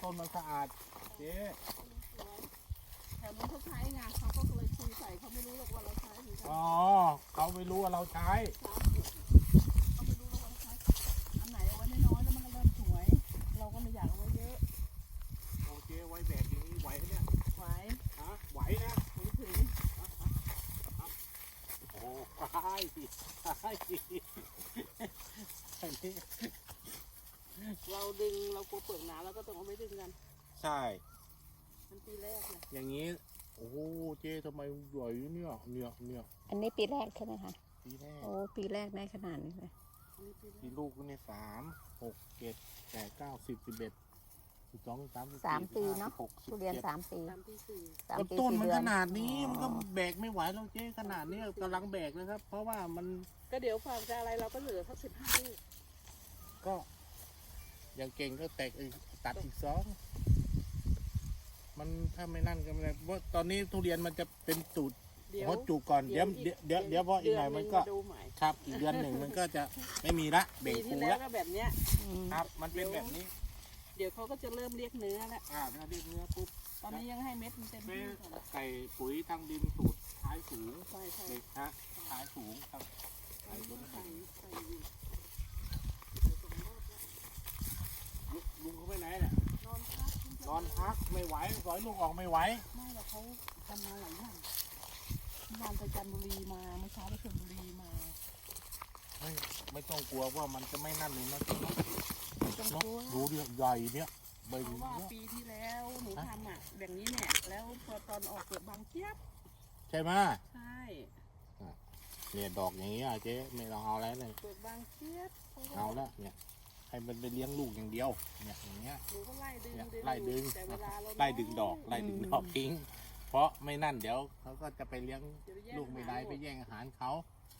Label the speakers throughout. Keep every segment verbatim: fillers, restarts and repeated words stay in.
Speaker 1: ต้นมันสะอาดเจ๊
Speaker 2: แถวนู้นเขาใช้ไงเขาก็เลยคุยใส่เขาไม่รู้หรอกว่าเราใช้เหมือนกัน
Speaker 1: อ๋อเขาไม่รู้ว่าเราใช้
Speaker 2: เขาไม่รู้ว่าเราใช้อันไหนเอาไว้น้อยๆแล้วมันก็เริ่มสวยเราก็ไม่อยากเอาไว้เยอะ
Speaker 1: โอเคไว้แบกอย่างนี้ไหวเนี่ย
Speaker 2: ไหว
Speaker 1: ฮะไหวนะ
Speaker 2: ถึงถึง
Speaker 1: โอ้ใช่สิใช่สิอันนี้
Speaker 2: เราดึงเรากลัวเปลือกหนาเราก็ต้องเอาไว้ดึงกัน
Speaker 1: ใช่
Speaker 2: มันปีแรกเนี่ย
Speaker 1: อย่างนี้โอ้โหเจ๊ทำไมใหญ่เนี่ยเนี่ยเนี่ย
Speaker 3: อันนี้ปีแรกใช่ไหมคะ
Speaker 1: ปีแรก
Speaker 3: โอ้ปีแรกได้ขนาดนี้เลย
Speaker 1: ปีลูกเนี่ยสามหกเจ็ดแปดเก้าสิบสิบเอ็ดสิบสองสาม
Speaker 3: สามปีเนาะทุเรียนสามปี
Speaker 2: สามปีสี่
Speaker 3: สามปี
Speaker 1: ต้น
Speaker 3: สี่
Speaker 1: มัน
Speaker 3: เดือ
Speaker 1: ข
Speaker 3: น
Speaker 1: นาดนี้มันก็แบกไม่ไหวแล้วเจ๊ขนาดนี้กำลังแบกนะครับ เพราะว่ามัน
Speaker 2: ก็เดี๋ยวฝากจะอะไรเราก็เหลือสักสิบห้าลูก
Speaker 1: ก็อย่างเก่งก็แตกตัดอีกสองมันถ้าไม่นั่นก็ไม่ได้เพราะตอนนี้ทุเรียนมันจะเป็นตูดเพราะจุกก่อนเดี๋ยวเดี๋ยวเดี๋ยวเดี๋ยวพออีกหน่อยมันก็ครับอีกเดือนหนึ่งมันก็จะไม่มีละเบ่งฟู
Speaker 2: แล้
Speaker 1: ว
Speaker 2: ก็แบบเนี้ย
Speaker 1: ครับมันเป็นแบบนี้
Speaker 2: เดี๋ยวเขาก็จะเริ่มเรียกเนื้อแล้ว
Speaker 1: อ่าถ้าเรียกเนื้อปุ๊บ
Speaker 2: ตอนนี้ยังให้เม็ดมันเต็มที่ก่อน
Speaker 1: ไก่ปุ๋ยทางดินสูตรท้ายสูง
Speaker 2: ใช่ใช่
Speaker 1: ฮะท้ายสูงครับ
Speaker 2: ใส่ต้นไก่ใส่อยู่
Speaker 1: ลุงเขาไปไหนเนี่ย
Speaker 2: นอนพัก
Speaker 1: นอนพักไม่ไหวสอยลูกออกไม่ไหว
Speaker 2: ไม่หรอกเขาทำมาหลายอย่างงานไปจันทบุรีมาเมื่อเช้าไปชลบุรีมา
Speaker 1: ไม่ไม่ต้องกลัวว่ามันจะไม่นั่นเลยนะจ๊ะ
Speaker 2: ไม่ต้องกลัว
Speaker 1: ดูเรื่องใหญ่เนี่ย
Speaker 2: เพราะว่าปีที่แล้วหนูทำอ่ะแบบนี้เนี่ยแล้วพอตอนออกเปลือกบางเทียบ
Speaker 1: ใช่ไหม
Speaker 2: ใช่
Speaker 1: เนี่ยดอกอย่างนี้อ่ะเจ๊ไม่ต้องเอาแล้วเลย
Speaker 2: เปลือกบางเทียบ
Speaker 1: เอาแล้วเนี่ยให้มันไปเลี้ยงลูกอย่างเดียวเนี่ยอย่างเงี้ย
Speaker 2: หนูก็ไล่ดึง
Speaker 1: ไล่ดึง
Speaker 2: แต่เวลาเรา
Speaker 1: ไล่ดึงดอกไล่ดึงดอกทิ้งเพราะไม่นั่นเดี๋ยวเขาก็จะไปเลี้ยงลูกไม่ได้ไปแย่งอาหารเขา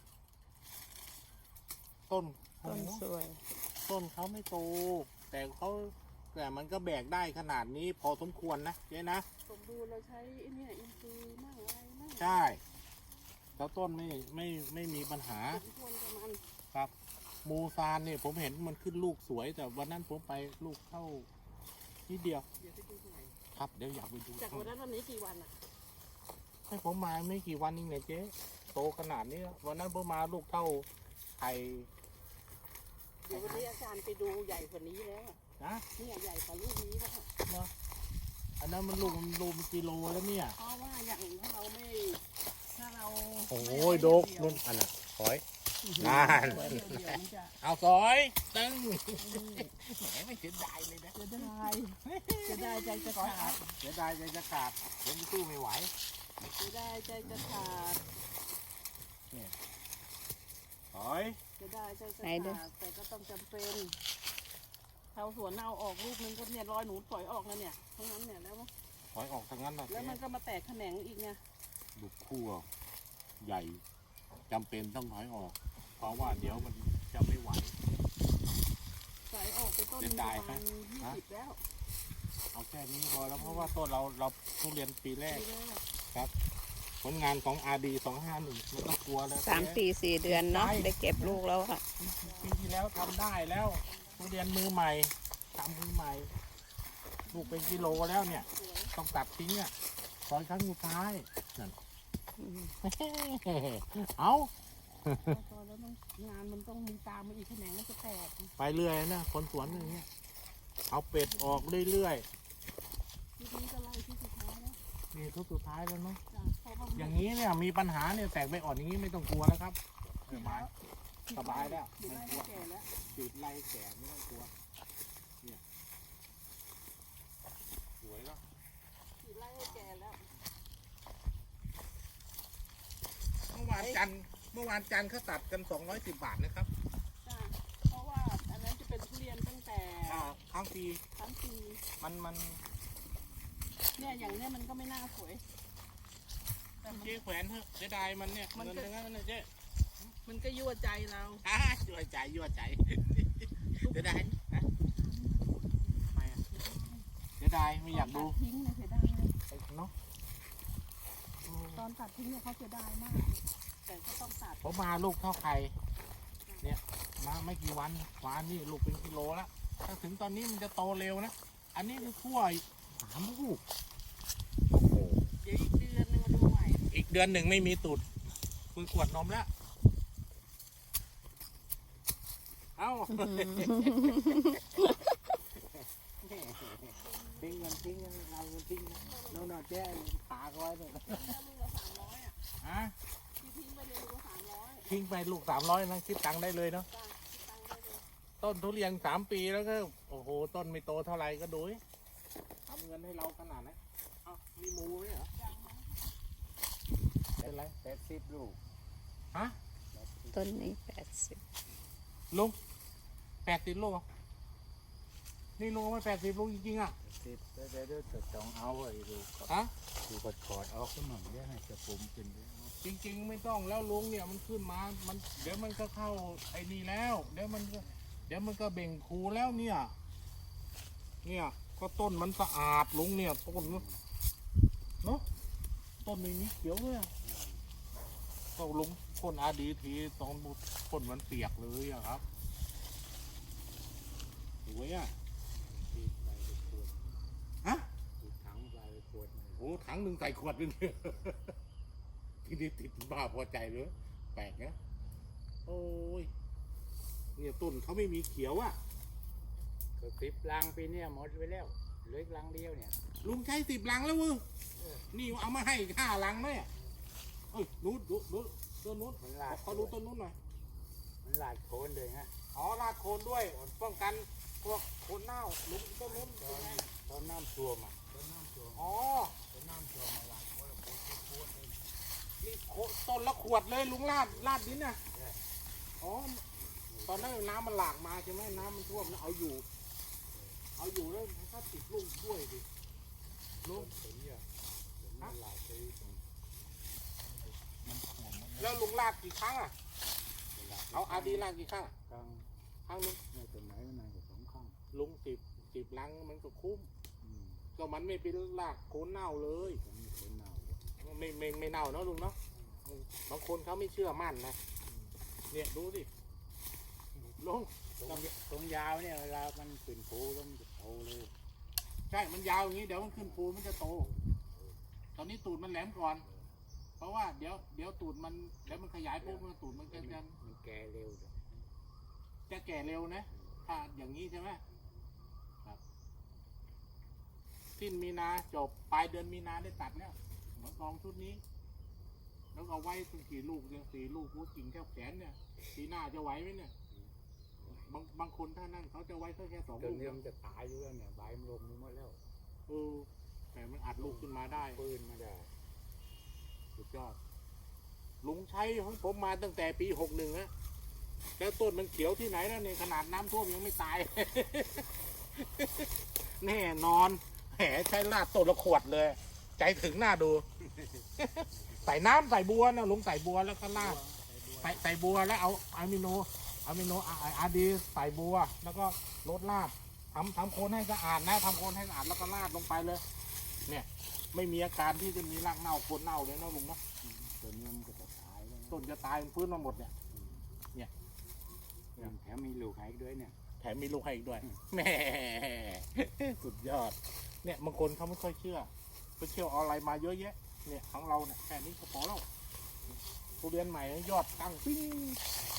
Speaker 1: ต้น
Speaker 3: ต้นสวย
Speaker 1: ต้นเขาไม่โตแต่เขาแต่มันก็แบกได้ขนาดนี้พอสมควรนะเจ๊นะ
Speaker 2: สมบูรณ์เราใช้เนี่ยอินทรีย์มากอะไรมาก
Speaker 1: ใช่แล้วต้นไม่ไม่ไม่มีปัญหาครับมูซานเนี่ยผมเห็นมันขึ้นลูกสวยแต่วันนั้นผมไปลูกเข้านิดเดียวครับเดี๋ยวอยากไปดู
Speaker 2: จากวันนั้นวันนี้กี่วันอ่ะ
Speaker 1: ให้ผมมาไม่กี่วันนี่ไงเจ๊โตขนาดนี้วันนั้นผมมาลูกเท่าไข่
Speaker 2: เดี๋ยววันนี้อาจารย์ไปดูใหญ่กว่านี้แล้ว
Speaker 1: นะ
Speaker 2: นี่ใหญ่กว่าลูกนี้แล้ว
Speaker 1: เนาะอันนั้นมันลูกมันลูกมันกิโลแล้วเนี่ย
Speaker 2: เพราะว่าอย่างถ้าเราไม่ถ้าเรา
Speaker 1: โอ้ยโดกนุ่นอันน่ะถอยนานเอาซอยตึงแหมไม่เสียดายเลยนะ
Speaker 2: เสียดายเสียดายใจจะขาด
Speaker 1: เสียดายใจจะขาดผมสู้ไม่ไหว
Speaker 2: เสียดายใจจะขาด
Speaker 1: เนี่ยถอย
Speaker 2: เสียดายใจจะขาดแต่ก็ต้องจำเป็นชาวสวนเอาออกลูกนึงก็เนี่ยรอยหนูถอยออกแล้วเนี่ยทั้งนั้นเนี่ยแล้ว
Speaker 1: ถอยออกทั้งนั้นเลย
Speaker 2: แล้วมันก็มาแตกแขนงอีกไง
Speaker 1: ลูกคู่ใหญ่จำเป็นต้องถอยออกเพราะว่าเดี๋ยวมันจะไม่ไหว
Speaker 2: ถอยออกไปต้นประมาณยี่สิบแล้ว
Speaker 1: เอาแค่นี้พอแล้วเพราะว่าต้นเราเราทุเรียนปีแรกครับผลงานของ อาร์ ดี สองห้าหนึ่งไม่ต้องกลัวแล้ว
Speaker 3: สามปีสี่เดือนเนาะได้เก็บลูกแล้วค่ะ
Speaker 1: ปีที่แล้วทำได้แล้วทุเรียนมือใหม่ทำมือใหม่ลูกเป็นกิโลแล้วเนี่ยต้องตัดทิ้งอ่ะตอนครั้งสุดท้ายนั่นเอา
Speaker 2: ตอนแล้วงานมันต้องมีตามมาอีกแขนงมันจะแตก
Speaker 1: ไปเรื่อยนะคนสวนอย่างเงี้ยเอาเป็ดออกเรื่อย
Speaker 2: ๆทีนี้ก็ไล่ที่สุดท้ายแล้ว
Speaker 1: นี่ทุกสุดท้ายแล้วเนาะอย่างนี้เนี่ยมีปัญหาเนี่ยแตกใบอ่อนอย่างนี้ไม่ต้องกลัวแล้วครับสบายสบายแล้วไม่กลัวติดไล่แก่ไม่ต้องกลัวเนี่ยสวยแล้ว
Speaker 2: ติดไล่ให้แก่แล้ว
Speaker 1: เมื่อวานจันเมื่อวานจันเขาตัดกันสองร้อยสิบบาทนะครับ
Speaker 2: เพราะว่าอันนั้นจะเป็นทุเรียนตั้งแต่
Speaker 1: ครั้งปี
Speaker 2: ครั้งปี
Speaker 1: มันมัน
Speaker 2: เนี่ยอย่างเนี้ยมันก็ไม่น่าสวย
Speaker 1: เจ๊แขวนเถอะเสียดายมันเนี่ยมันก็งั้นนะเจ๊
Speaker 2: มันก็ยั่วใจเรา
Speaker 1: อ่ายั่วใจยั่วใจเสียดายนะทำไมอ่ะเสียดายไม่อยากดู
Speaker 2: ทิ้งเลยเสียดาย
Speaker 1: เนาะ
Speaker 2: ตอนตัดทิ้งเนี่ยเขาเสียดายมากแต่ก็ต้องตัด
Speaker 1: ผมมาลูกเท่าไข่เนี่ยมาไม่กี่วันวานนี่ลูกเป็นกิโลแล้วถ้าถึงตอนนี้มันจะโตเร็วนะอันนี้คือขั้วสามลูกโอ้โห
Speaker 2: เดี๋ยวอีกเดือนนึงมาดูใหม่
Speaker 1: อีกเดือนหนึ่งไม่มีตูดมือขวดนมแล้ว เอ้า ทิ้งเงินทิ้งเงินเอาเงินทิ้งโน่นน่ะแจ้ขาเขาไว้เลย
Speaker 2: ลูกละสามร้อยอ่ะ
Speaker 1: ฮะ
Speaker 2: ที่ทิ้งไปเลยลูกละสามร้อย
Speaker 1: ทิ้งไปลูกสามร้อยนะคิดตังค์ได้เลยเนาะ
Speaker 2: จ้าคิดตังค์ได้เลย
Speaker 1: ต้นทุเรียนสามปีแล้วก็โอ้โหต้นไม่โตเท่าไหร่ก็ดูดิทำเงินให้เราขนาดนั้นเอ้ามีหมูไหมเหรอเป็นไร
Speaker 4: แปดสิบลูก
Speaker 1: ฮะ
Speaker 3: ต้นนี้แปดสิบ
Speaker 1: ลุงแปดสิบลูกเหรอนี่ลุงเอามาแปดสิบลูกจริงๆอ่ะ
Speaker 4: สิบแล้วเดี๋ยวเดี๋ยวจะต้องเอาไอ้ลูก
Speaker 1: ฮะ
Speaker 4: ดูกดกอดออกขึ้นมาเดี๋ยวให้จะปุ่มกินด้วย
Speaker 1: จริงๆไม่ต้องแล้วลุงเนี่ยมันขึ้นมา มันเดี๋ยวมันก็เข้าไอ้นี่แล้ว เดี๋ยวมันก็เดี๋ยวมันก็เบ่งคูแล้วเนี่ย เนี่ยก็ต้นมันสะอาดลุงเนี่ยต้นเนาะต้นไม่มีเขียวเลยอะก็ลุงพ่นอาดีทีตอนพ่นมันเปียกเลยอะครับสวยอะ
Speaker 4: ตีไปไปขวด
Speaker 1: ฮะ
Speaker 4: ตีถังไปไปขวด
Speaker 1: โอ้ถังหนึ่งใส่ขวดนึงเนี่ย ที่นี่ติดบ้าพอใจเลยแปลกนะโอ้ยเนี่ยต้นเขาไม่มีเขียวอะ
Speaker 4: ก็สิบลังปีเนี้ยหมดไปแล้วเหลืออีกลังเดียวเนี่ย
Speaker 1: ลุงใช้สิบลังแล้วเว้ยนี่เอามาให้ห้าลังไหมอะเอ้ยนู้นดูดูต้นนู้น
Speaker 4: มันลาด
Speaker 1: เขาดูต้นนู้นหน่อย
Speaker 4: มันลาดโคนเลยฮะ
Speaker 1: อ๋อรากโคนด้วยป้องกันพวกโคนเน่าลุงต้นนู้น
Speaker 4: ต
Speaker 1: เป็
Speaker 4: อน น
Speaker 1: ไง
Speaker 4: ตอนน้ำท่วมอ่ะตอนน้ำท่วม
Speaker 1: อ๋อ
Speaker 4: ตอนน้ำท่วมมาลาดโคนโคนโคนเลย
Speaker 1: นี่โคต้นละขวดเลยลุงลาดลาดดินน่ะอ๋อตอนนั้นน้ำมันหลากมาใช่ไหมน้ำมันท่วมแล้วเอาอยู่ เอาอยู่แล้วถ้าติดลูกด้วยดิลุง
Speaker 4: ผมเนี่ยผมมันลาดไปตรงมันท่วมมัน
Speaker 1: แล้วลุงลาดกี่ครั้งอ่ะเอาอาดีลาดกี่ครั้งอะ
Speaker 4: กลาง
Speaker 1: ครั้งนึง
Speaker 4: ในต้นไหนมันนานกว่าสองข้าง
Speaker 1: ลุงสิบสิบลังมันก็คุ้ม
Speaker 4: อืม
Speaker 1: ก็มันไม่เป็นรากโคนเน่าเลย
Speaker 4: ผมมีคนเน่าเลย
Speaker 1: ไม่ไม่ไม่เน่าเนาะลุงเนาะบางคนเขาไม่เชื่อมั่นนะเนี่ยดูสิลุง
Speaker 4: ตรงตรงยาวเนี่ยเวลามันขึ้นโผล่แล้วมันจะโตเลย
Speaker 1: ใช่มันยาวอย่างนี้เดี๋ยวมันขึ้นภูมันจะโต ตอนนี้ตูดมันแหลมก่อน เพราะว่าเดี๋ยวเดี๋ยวตูดมันเดี๋ยวมันขยายปุ๊บมันตูดมันจะจะ
Speaker 4: มันแก่เร็วเลย
Speaker 1: จะแก่เร็วนะถ้าอย่างนี้ใช่ไหมครับสิ้นมีนาจบปลายเดือนมีนาได้ตัดแล้วหมอนทองชุดนี้ แล้วก็ไว้ถึงกี่ลูกเนี่ยสี่ลูกกูกิ่งแค่แขนเนี่ยปีหน้าจะไหวไหมเนี่ยบางบางคนถ้านั่นเขาจะไว้แค่แค่สอง
Speaker 4: ต้
Speaker 1: ลู
Speaker 4: น
Speaker 1: ก
Speaker 4: นี้มันจะตายอยู่แล้วเนี่ยใบมันลงหมดแล้ว
Speaker 1: เออแต่มันอัดลูกขึ้นมาได้
Speaker 4: ปืนมาได้
Speaker 1: สุดยอด ลุงใช้ของผมมาตั้งแต่ปีหกหนึ่งอะแล้วต้นมันเขียวที่ไหนแล้วเนี่ยขนาดน้ำท่วมยังไม่ตาย แน่นอนแหมใช้ลาดต้นละขวดเลย ใจถึงหน้าดู ใส่น้ำใส่บัวนะลุงใส่บัวแล้วก็ลาด ใส่ใส่บัวแล้วเอาอะมิโนอะมิโนอาดีใส่บัว แล้วก็ลดลาดทำทำโคนให้สะอาดนะทำโคนให้สะอาดแล้วก็ลาดลงไปเลย เนี่ย ไม่มีอาการที่จะมีรากเน่าโคนเน่าเลยนะลุงเนาะ
Speaker 4: ต้นนี้มันก็จะตายแล้วนะ
Speaker 1: ต้นจะตายมันฟื้นมาหมดเนี่ย
Speaker 4: แถมมีลูกให้อีกด้วยเนี่ย
Speaker 1: แถมมีลูกให้อีกด้วยแหม่ สุดยอด เนี่ยบางคนเขาไม่ค่อยเชื่อไปเชื่อออนไลน์มาเยอะแยะ เนี่ยของเราเนี่ยแค่นี้ก็พอแล้วทุเรียนใหม่ยอดตั้งปิ้ง